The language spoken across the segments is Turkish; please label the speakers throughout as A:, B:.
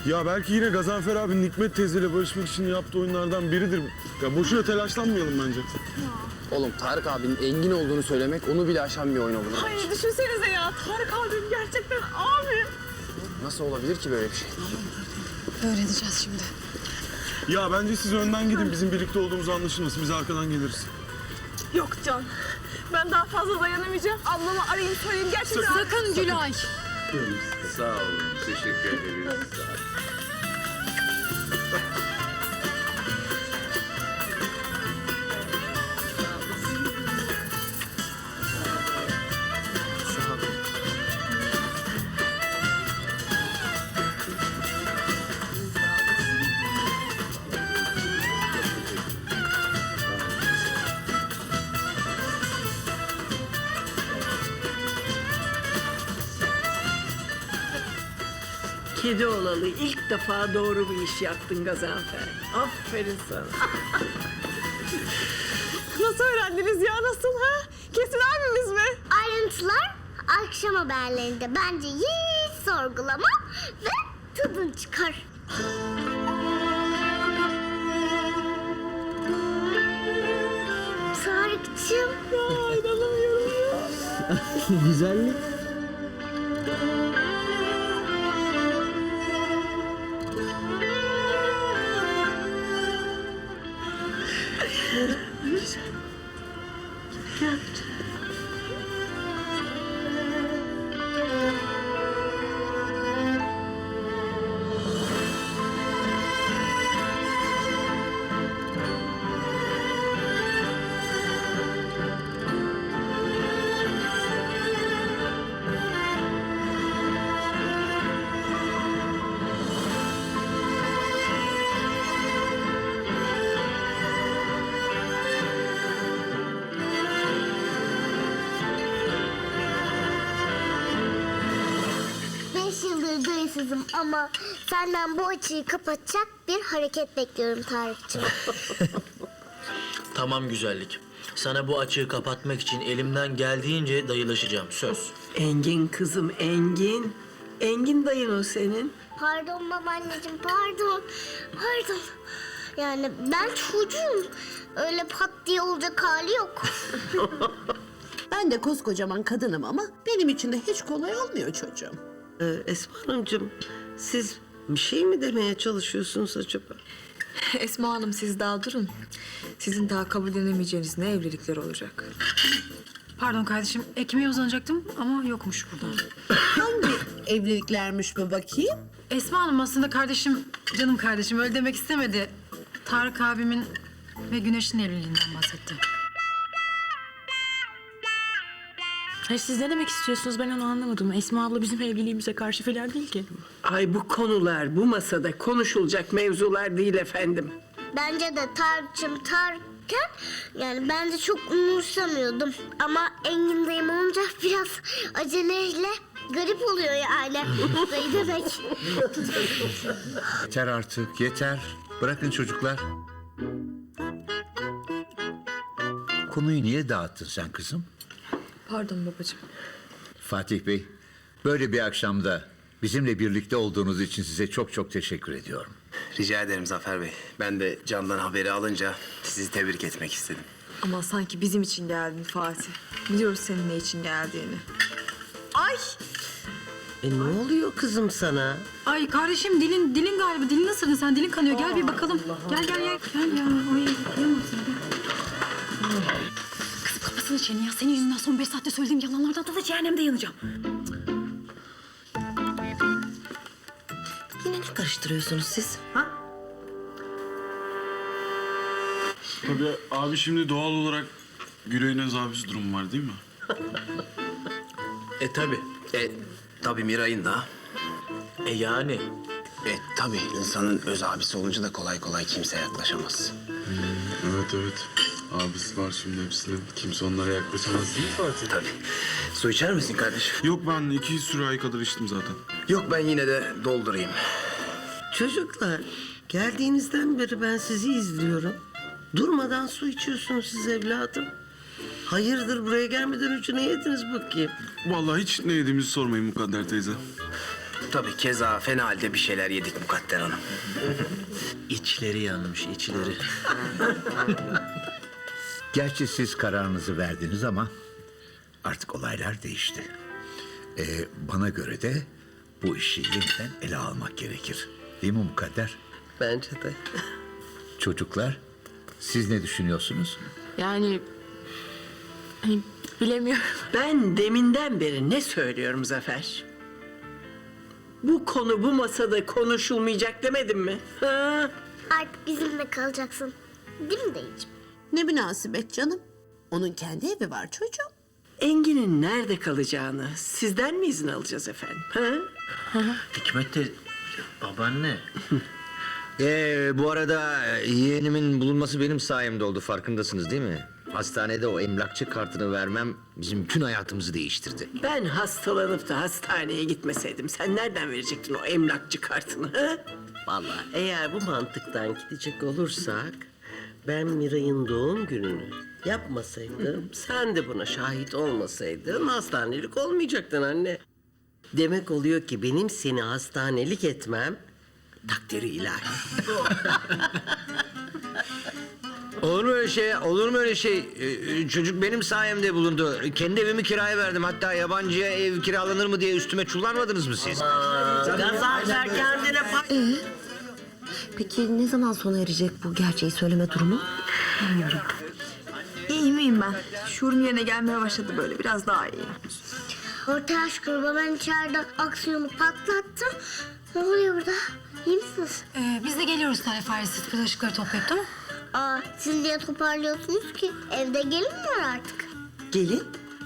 A: Ya belki yine Gazanfer abi Nikmet teyzeyle barışmak için yaptığı oyunlardan biridir. Ya boşuna telaşlanmayalım bence.
B: Oğlum Tarık abinin Engin olduğunu söylemek onu bile aşan bir oyun olur.
C: Hayır düşünsenize ya. Tarık abim gerçekten abi.
B: Nasıl olabilir ki böyle bir şey?
D: Öğreneceğiz şimdi.
A: Ya bence siz önden gidin, bizim birlikte olduğumuzu anlaşılmasın. Biz arkadan geliriz.
C: Yok Can. Ben daha fazla dayanamayacağım. Ablamı arayayım söyleyeyim gerçekten.
D: Sakın Gülay.
E: Sağ olun. Teşekkür ederiz.
B: Sağ ol.
F: Kedi olalı ilk defa doğru bir iş yaptın Gazanfer. Aferin sana.
C: Nasıl öğrendiniz ya nasıl ha? Kesin abimiz mi?
G: Ayrıntılar akşam haberlerinde. Bence hiç sorgulama ve tadın çıkar. Tarık'cığım.
C: Ya inanamıyorum ya.
B: Güzellik.
G: Beş yıldır duysuzum ama senden bu açıyı kapatacak bir hareket bekliyorum Tarık'cığım.
H: Tamam güzellik. Sana bu açığı kapatmak için elimden geldiğince dayılaşacağım. Söz.
F: Engin kızım Engin. Engin dayın o senin.
G: Pardon babaanneciğim, pardon. Pardon. Yani ben çocuğum. Öyle pat diye olacak hali yok.
I: Ben de koskocaman kadınım ama benim için de hiç kolay olmuyor çocuğum.
F: Esma Hanımcığım, siz bir şey mi demeye çalışıyorsunuz acaba?
D: Esma Hanım siz daha durun. Sizin daha kabullenemeyeceğiniz ne evlilikler olacak.
J: Pardon kardeşim, ekmeğe uzanacaktım ama yokmuş burada.
I: Hangi evliliklermiş bu bakayım?
J: Esma Hanım aslında kardeşim, canım kardeşim öyle demek istemedi. Tarık abimin ve Güneş'in evliliğinden bahsetti.
D: Hayır siz ne demek istiyorsunuz ben onu anlamadım. Esma abla bizim evliliğimize karşı falan değil ki.
F: Ay bu konular bu masada konuşulacak mevzular değil efendim.
G: Bence de Tarık'cığım Tarık'ken yani ben de çok umursamıyordum. Ama Engin dayım olunca biraz aceleyle garip oluyor yani. Dayı demek.
E: Yeter artık, yeter. Bırakın çocuklar. Konuyu niye dağıttın sen kızım?
D: Pardon babacığım.
E: Fatih Bey, böyle bir akşamda bizimle birlikte olduğunuz için size çok çok teşekkür ediyorum.
B: Rica ederim Zafer Bey. Ben de Can'dan haberi alınca sizi tebrik etmek istedim.
D: Ama sanki bizim için geldin Fatih. Biliyoruz senin ne için geldiğini. Ay!
F: Ne oluyor kızım sana?
J: Ay kardeşim dilin galiba. Dilin ısırdın sen, dilin kanıyor. Gel bir bakalım. Gel. Gel ya. Ay kıyamam sana, gel. Kızım kafasını çene ya. Senin yüzünden son 5 saatte söylediğim yalanlardan da cehennemde yanacağım.
F: Yine ne karıştırıyorsunuz siz? Ha?
A: Tabii abi şimdi doğal olarak Gülay'ın öz abisi durumu var değil mi?
B: Tabii. Tabii Miray'ın da.
H: Yani.
B: Tabii insanın öz abisi olunca da kolay kolay kimse yaklaşamaz.
A: Evet. Abisi var şimdi hepsinin. Kimse onlara yaklaşamaz değil mi Fatih?
B: Tabii. Su içer misin kardeşim?
A: Yok ben 2 sürahi kadar içtim zaten.
B: Yok ben yine de doldurayım.
F: Çocuklar, geldiğinizden beri ben sizi izliyorum. Durmadan su içiyorsunuz siz evladım. Hayırdır buraya gelmeden önce ne yediniz bakayım?
A: Vallahi hiç ne yediğimizi sormayın Mukadder teyze.
B: Tabii keza fena halde bir şeyler yedik Mukadder Hanım.
H: İçleri yanmış, içleri.
E: Gerçi siz kararınızı verdiniz ama artık olaylar değişti. Bana göre de bu işi yeniden ele almak gerekir. Değil mi Mukadder?
F: Bence de.
E: Çocuklar, siz ne düşünüyorsunuz?
D: Yani hani bilemiyorum.
F: Ben deminden beri ne söylüyorum Zafer? Bu konu bu masada konuşulmayacak demedim mi? Ha?
G: Artık bizimle kalacaksın. Değil mi dayıcığım?
I: Ne münasebet canım. Onun kendi evi var çocuğum.
F: Engin'in nerede kalacağını sizden mi izin alacağız efendim? Ha?
H: Hikmet de babaanne.
K: Bu arada yeğenimin bulunması benim sayemde oldu, farkındasınız değil mi? Hastanede o emlakçı kartını vermem bizim bütün hayatımızı değiştirdi.
F: Ben hastalanıp da hastaneye gitmeseydim sen nereden verecektin o emlakçı kartını? Ha?
L: Vallahi eğer bu mantıktan gidecek olursak ben Miray'ın doğum gününü yapmasaydım, sen de buna şahit olmasaydın hastanelik olmayacaktın anne. Demek oluyor ki benim seni hastanelik etmem takdiri ilahi.
K: Olur mu öyle şey? Olur mu öyle şey? Çocuk benim sayemde bulundu. Kendi evimi kiraya verdim. Hatta yabancıya ev kiralanır mı diye üstüme çullanmadınız mı siz?
L: Gazanfer kendine
J: Peki ne zaman sona erecek bu gerçeği söyleme durumu? Bilmiyorum. İyi miyim ben? Şuurum yerine gelmeye başladı böyle. Biraz daha iyiyim.
G: Ortaya şükür ben içeride aksiyonu patlattım. Ne oluyor burada? İyi misiniz?
J: Biz de geliyoruz Tale Faresi. Bulaşıkları toplayıp tamam.
G: Siz niye toparlıyorsunuz ki? Evde gelin mi var artık?
L: Gelin.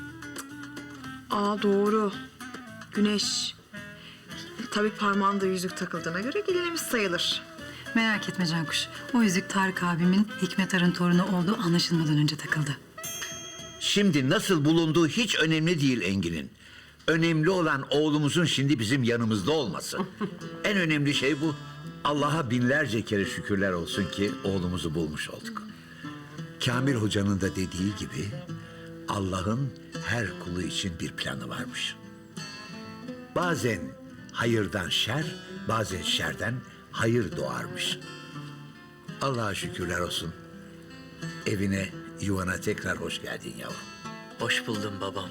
J: Doğru. Güneş. Tabii parmağında yüzük takıldığına göre gelinimiz sayılır. Merak etme Cankuş. O yüzük Tarık abimin Hikmet Ar'ın torunu olduğu anlaşılmadan önce takıldı.
E: Şimdi nasıl bulunduğu hiç önemli değil Engin'in. Önemli olan oğlumuzun şimdi bizim yanımızda olması. En önemli şey bu. Allah'a binlerce kere şükürler olsun ki oğlumuzu bulmuş olduk. Kamil Hoca'nın da dediği gibi Allah'ın her kulu için bir planı varmış. Bazen hayırdan şer, bazen şerden hayır doğarmış. Allah'a şükürler olsun. Evine, yuvana tekrar hoş geldin yavrum.
H: Hoş buldum babam.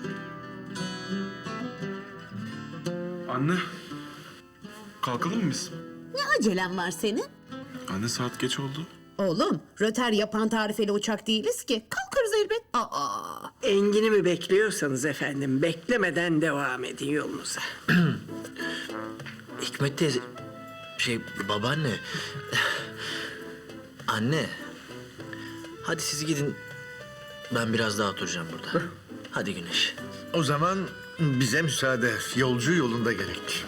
A: Anne, kalkalım mı biz?
I: Ne acelen var senin?
A: Anne saat geç oldu.
I: Oğlum, röter yapan tarifeli uçak değiliz ki. Kalkarız elbet.
F: Engin'i mi bekliyorsanız efendim beklemeden devam edin yolunuza.
H: Hikmet teyze... babaanne... Anne... Hadi siz gidin. Ben biraz daha oturacağım burada. Hadi Güneş.
E: O zaman bize müsaade. Yolcu yolunda gerek.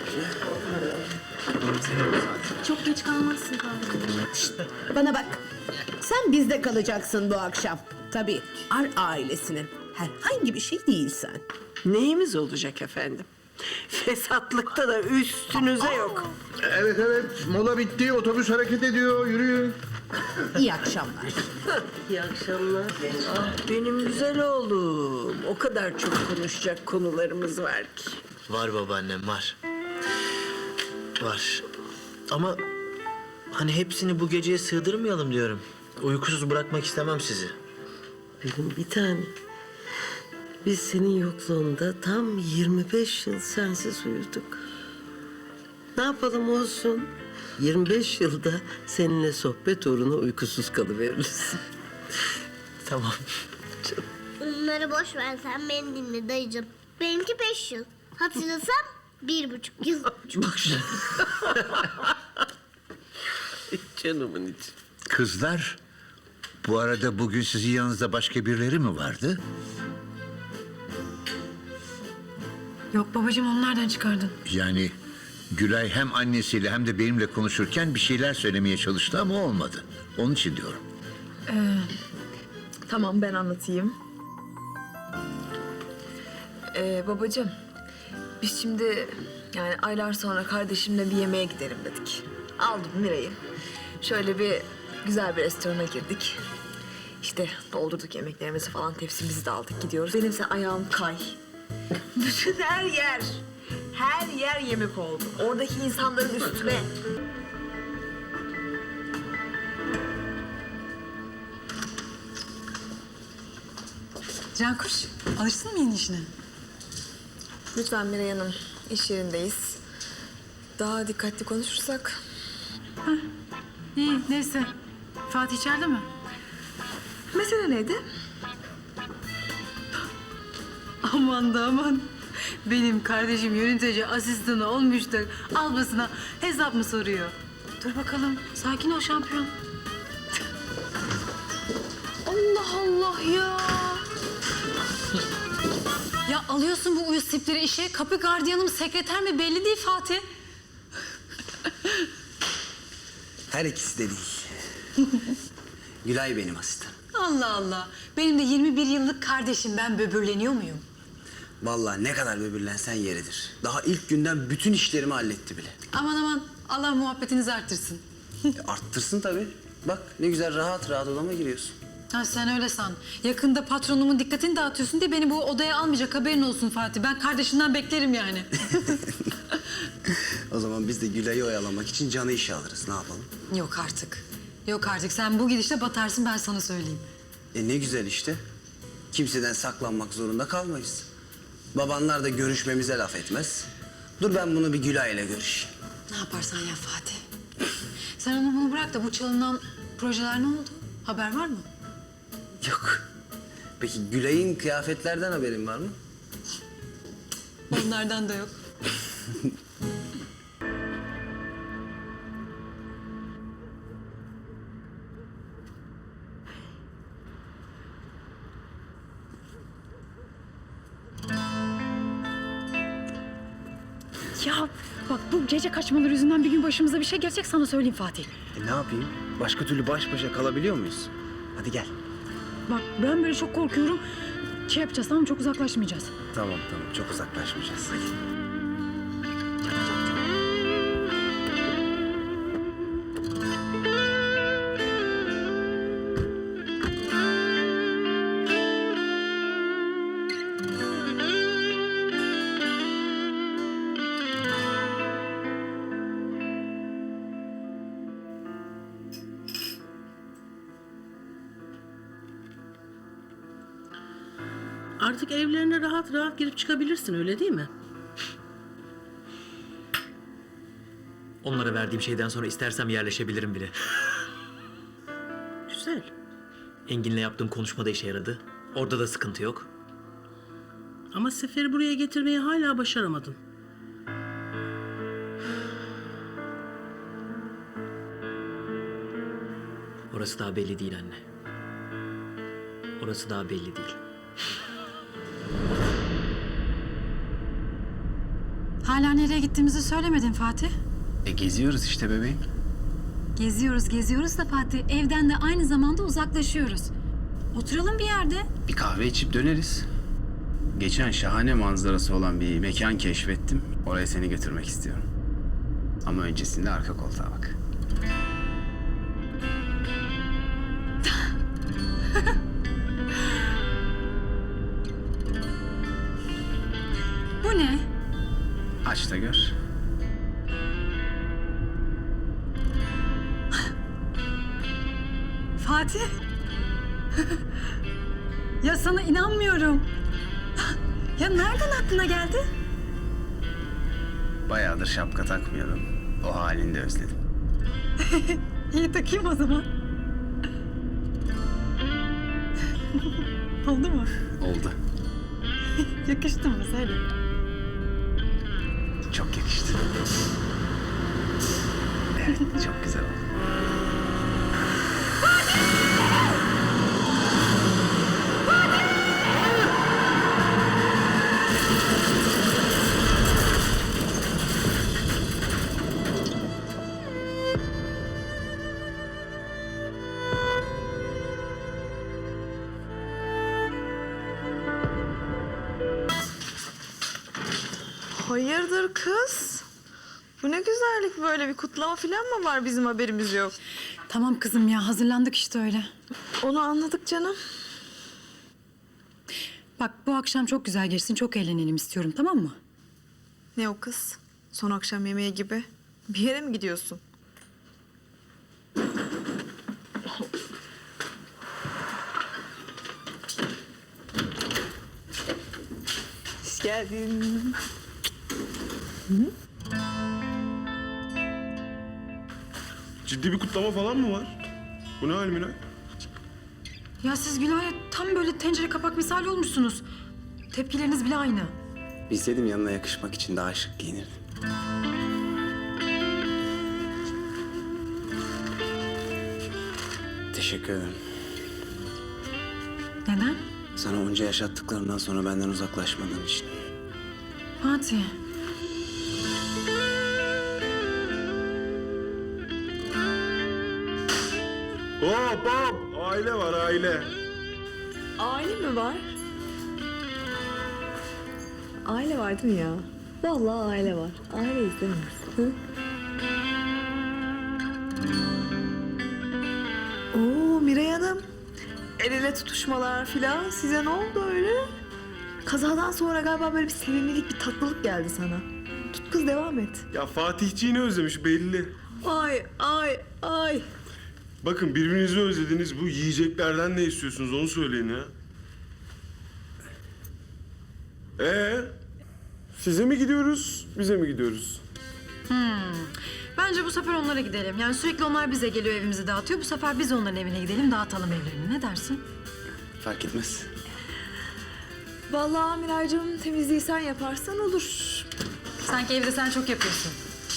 D: Çok geç kalmazsın Tarık.
I: Bana bak. Sen bizde kalacaksın bu akşam. Tabii Ar ailesinin herhangi bir şey değilsen.
F: Neyimiz olacak efendim? Fesatlıkta da üstünüze yok.
E: Evet, mola bitti. Otobüs hareket ediyor. Yürüyün.
I: İyi akşamlar.
L: İyi akşamlar.
F: Benim güzel oğlum. O kadar çok konuşacak konularımız var ki.
H: Var babaannem, var. Var. Ama hani hepsini bu geceye sığdırmayalım diyorum. Uykusuz bırakmak istemem sizi.
L: Benim bir tane. Biz senin yokluğunda tam 25 yıl sensiz uyuduk. Ne yapalım olsun. 25 yılda seninle sohbet uğruna uykusuz kalıveririz.
H: Tamam.
G: Bunları boş ver sen beni dinle dayıcığım. Benimki 5 yıl. Hatırlasam 1,5 yıl.
L: Canımın içi.
E: Kızlar, bu arada bugün sizin yanınızda başka birileri mi vardı?
J: Yok babacığım onu nereden çıkardın?
E: Yani Gülay hem annesiyle hem de benimle konuşurken bir şeyler söylemeye çalıştı ama olmadı. Onun için diyorum.
J: Tamam ben anlatayım. Babacığım biz şimdi yani aylar sonra kardeşimle bir yemeğe gidelim dedik. Aldım Miray'ı. Şöyle bir güzel bir restorana girdik. İşte doldurduk yemeklerimizi falan tepsimizi de aldık gidiyoruz. Benimse ayağım kay. Bütün her yer
C: Her yer yemek oldu. Oradaki insanların üstüne.
J: Cankuş, alıştın mı yeni işine?
C: Lütfen Miray Hanım, iş yerindeyiz. Daha dikkatli konuşursak.
J: İyi, neyse. Fatih içeride mi?
C: Mesele neydi?
J: Aman da aman. Benim kardeşim yönetici asistanı olmuş da ablasına hesap mı soruyor? Dur bakalım, sakin ol şampiyon. Allah Allah ya. Ya alıyorsun bu uyuz tipleri işe, kapı gardiyanı mı, sekreter mi belli değil Fatih.
B: Her ikisi de değil. Gülay benim asistanım.
J: Allah Allah. Benim de 21 yıllık kardeşim, ben böbürleniyor muyum?
B: Vallahi ne kadar böbürlensen yeridir. Daha ilk günden bütün işlerimi halletti bile.
J: Aman aman, Allah muhabbetinizi arttırsın.
B: Arttırsın tabii. Bak ne güzel rahat rahat odama giriyorsun.
J: Ha sen öyle san. Yakında patronumun dikkatini dağıtıyorsun diye beni bu odaya almayacak, haberin olsun Fatih. Ben kardeşimden beklerim yani.
B: O zaman biz de Gülay'ı oyalamak için canı işe alırız. Ne yapalım?
J: Yok artık. Yok artık. Sen bu gidişle batarsın, ben sana söyleyeyim.
B: Ne güzel işte. Kimseden saklanmak zorunda kalmayız. Babanlar da görüşmemize laf etmez. Dur ben bunu bir Gülay'la görüşeyim.
J: Ne yaparsan yap Fatih. Sen onu bunu bırak da bu çalınan projeler ne oldu? Haber var mı?
B: Yok. Peki Gülay'ın kıyafetlerden haberin var mı?
J: Onlardan da yok.
M: Ya bak bu gece kaçmaları yüzünden bir gün başımıza bir şey gelecek, sana söyleyeyim Fatih.
B: Ne yapayım? Başka türlü baş başa kalabiliyor muyuz? Hadi gel.
M: Bak ben böyle çok korkuyorum. Şey yapacağız, tamam, çok uzaklaşmayacağız.
B: Tamam çok uzaklaşmayacağız. Hadi.
F: Artık evlerine rahat rahat girip çıkabilirsin, öyle değil mi?
H: Onlara verdiğim şeyden sonra istersem yerleşebilirim bile.
F: Güzel.
H: Engin'le yaptığım konuşmada işe yaradı. Orada da sıkıntı yok.
F: Ama Sefer'i buraya getirmeyi hala başaramadın.
H: Orası daha belli değil anne. Orası daha belli değil.
J: Hala nereye gittiğimizi söylemedin Fatih.
B: Geziyoruz işte bebeğim.
J: Geziyoruz da Fatih, evden de aynı zamanda uzaklaşıyoruz. Oturalım bir yerde.
B: Bir kahve içip döneriz. Geçen şahane manzarası olan bir mekan keşfettim. Oraya seni götürmek istiyorum. Ama öncesinde arka koltuğa bak.
J: Bu ne?
B: Aç da gör.
J: Fatih. Ya sana inanmıyorum. Ya nereden aklına geldi?
B: Bayağıdır şapka takmıyordum. O halini de özledim.
J: İyi takayım o zaman. Oldu mu?
B: Oldu.
J: Yakıştı mı? Söyle.
B: Çok yakıştı. Evet, çok güzel oldu.
C: Hayırdır kız? Bu ne güzellik böyle, bir kutlama falan mı var, bizim haberimiz yok?
J: Tamam kızım ya, hazırlandık işte öyle.
C: Onu anladık canım.
J: Bak bu akşam çok güzel geçsin, çok eğlenelim istiyorum, tamam mı?
C: Ne o kız? Son akşam yemeği gibi. Bir yere mi gidiyorsun? Hoş geldin.
A: Ciddi bir kutlama falan mı var? Bu ne hal Miray?
M: Ya siz Gülay'a tam böyle tencere kapak misali olmuşsunuz. Tepkileriniz bile aynı.
B: Bilseydim yanına yakışmak için daha şık giyinirdim. Teşekkür ederim.
M: Neden?
B: Sana onca yaşattıklarından sonra benden uzaklaşmadığın için.
M: Fatih.
A: Hop hop! Aile var aile.
C: Aile mi var? Aile var değil mi ya? Vallahi aile var. Aileyiz değil mi? Hı? Oo Miray Hanım. El ele tutuşmalar filan. Size ne oldu öyle? Kazadan sonra galiba böyle bir sevimlilik, bir tatlılık geldi sana. Tut kız devam et.
A: Ya Fatihciğini özlemiş belli.
C: Ay ay ay.
A: Bakın birbirinizi özlediniz. Bu yiyeceklerden ne istiyorsunuz onu söyleyin ya. Size mi gidiyoruz, bize mi gidiyoruz?
M: Bence bu sefer onlara gidelim. Yani sürekli onlar bize geliyor, evimizi dağıtıyor. Bu sefer biz onların evine gidelim, dağıtalım evlerini. Ne dersin?
B: Fark etmez.
C: Vallahi Miraycığım temizliği sen yaparsan olur.
M: Sanki evde sen çok yapıyorsun.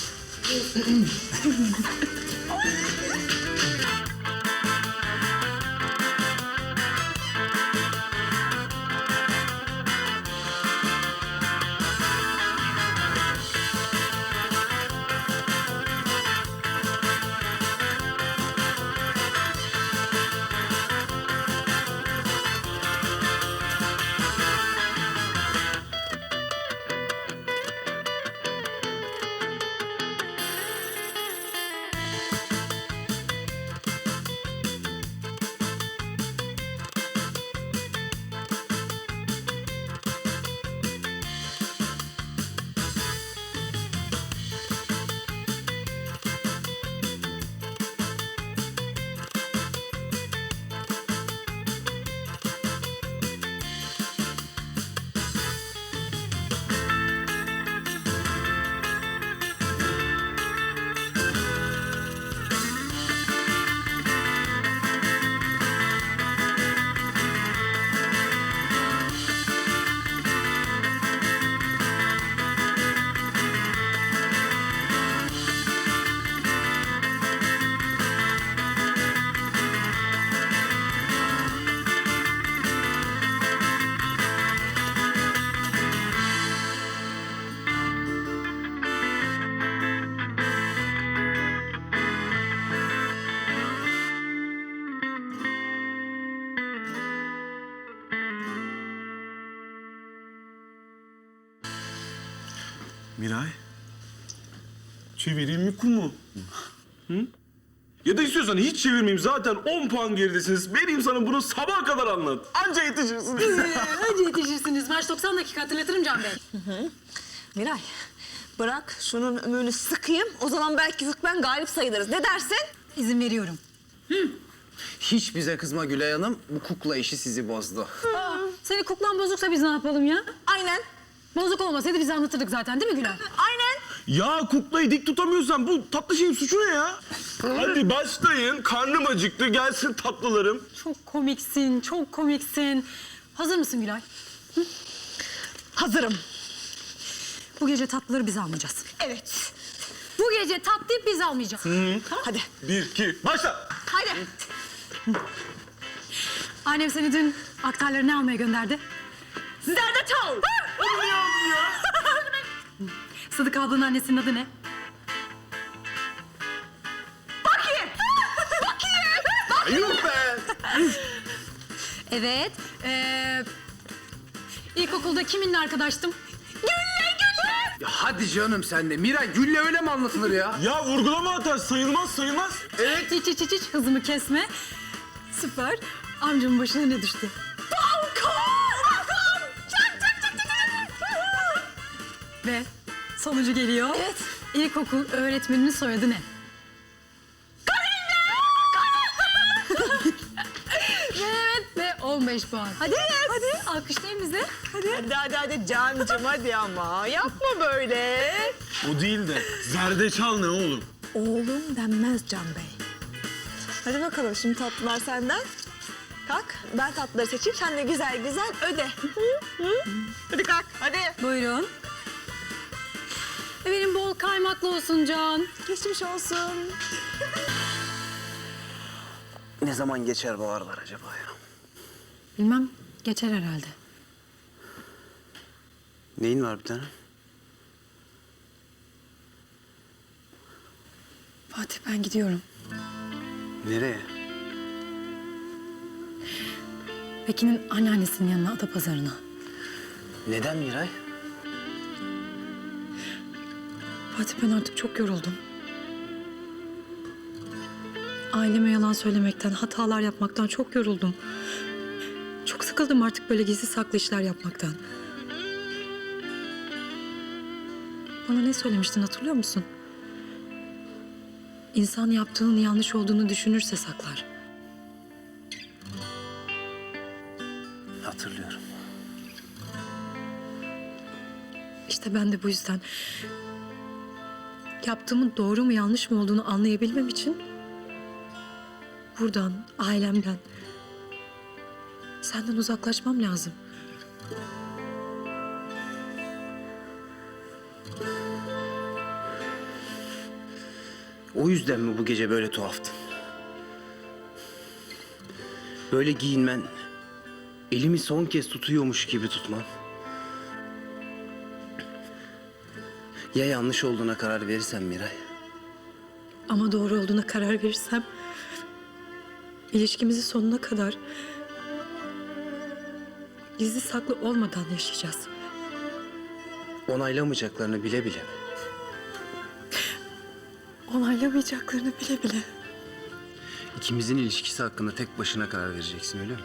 A: Miray. Çevireyim mi kumu? Hı? Ya da istiyorsan hiç çevirmeyeyim. Zaten 10 puan geridesiniz. Vereyim sana bunu sabaha kadar anlat. Anca yetişirsiniz.
M: Önce yetişirsiniz. Maç 90 dakika, hatırlatırım Can Bey.
C: Miray bırak şunun ömrünü sıkayım. O zaman belki hükmen galip sayılırız. Ne dersin?
M: İzin veriyorum.
B: Hiç bize kızma Gülay Hanım. Bu kukla işi sizi bozdu.
M: Senin kuklan bozuksa biz ne yapalım ya?
C: Aynen.
M: Bozuk olmasaydı bize anlatırdık zaten değil mi Gülay?
C: Aynen.
A: Ya kuklayı dik tutamıyorsan bu tatlı şeyin suçu ne ya? Hadi başlayın. Karnım acıktı. Gelsin tatlılarım.
M: Çok komiksin, çok komiksin. Hazır mısın Gülay?
C: Hazırım.
M: Bu gece tatlıları biz almayacağız.
C: Evet.
M: Bu gece tatlıyı biz almayacağız.
C: Hadi.
A: 1, 2, başla.
C: Hadi.
M: Annem seni dün aktarları ne almaya gönderdi?
C: Zerdeçal.
M: Sıdık ablanın annesinin adı ne?
C: Bakayım. Bakayım.
A: Yuh be.
M: Evet. İlkokulda kiminle arkadaştım?
B: Ya hadi canım sen de. Miray Gül'le öyle mi anlatılır ya?
A: Ya vurgulama hatar. Sayılmaz sayılmaz.
M: Evet. Hiç hızımı kesme. Süper. Amcamın başına ne düştü?
C: Balkon.
M: Ve
J: Sonucu geliyor. Evet. İlkokul öğretmeninin soyadı ne? Evet ve 15 puan. Hadi. Hadi alkışlayın bizi.
C: Hadi Cancım hadi ama yapma böyle.
A: O değil de zerdeçal ne oğlum?
C: Oğlum denmez Can Bey. Hadi bakalım şimdi tatlılar senden. Kalk ben tatlıları seçeyim sen de güzel güzel öde. Hadi kalk hadi.
J: Buyurun. Benim bol kaymaklı olsun Can.
C: Geçmiş olsun.
B: Ne zaman geçer bu ağrılar acaba ya?
J: Bilmem geçer herhalde.
B: Neyin var bir tane?
J: Fatih ben gidiyorum.
B: Nereye?
J: Pekin'in anneannesinin yanına Adapazarı'na.
B: Neden Miray?
J: Fatih ben artık çok yoruldum. Aileme yalan söylemekten, hatalar yapmaktan çok yoruldum. Çok sıkıldım artık böyle gizli saklı işler yapmaktan. Bana ne söylemiştin hatırlıyor musun? İnsan yaptığının yanlış olduğunu düşünürse saklar.
B: Hatırlıyorum.
J: İşte ben de bu yüzden yaptığımın doğru mu yanlış mı olduğunu anlayabilmem için buradan, ailemden, senden uzaklaşmam lazım.
B: O yüzden mi bu gece böyle tuhaftın? Böyle giyinmen, elimi son kez tutuyormuş gibi tutman. Ya yanlış olduğuna karar verirsen Miray?
J: Ama doğru olduğuna karar verirsem ilişkimizi sonuna kadar gizli saklı olmadan yaşayacağız.
B: Onaylamayacaklarını bile bile mi?
J: Onaylamayacaklarını bile bile.
B: İkimizin ilişkisi hakkında tek başına karar vereceksin öyle mi?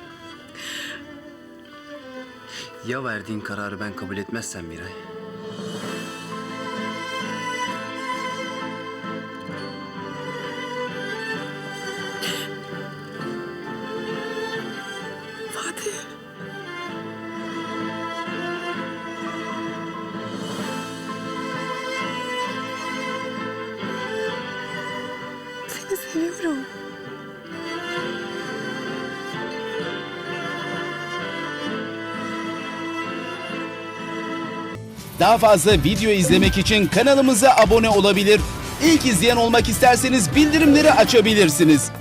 B: Ya verdiğin kararı ben kabul etmezsem Miray?
J: Fatih. Seni seviyorum.
N: Daha fazla video izlemek için kanalımıza abone olabilir. İlk izleyen olmak isterseniz bildirimleri açabilirsiniz.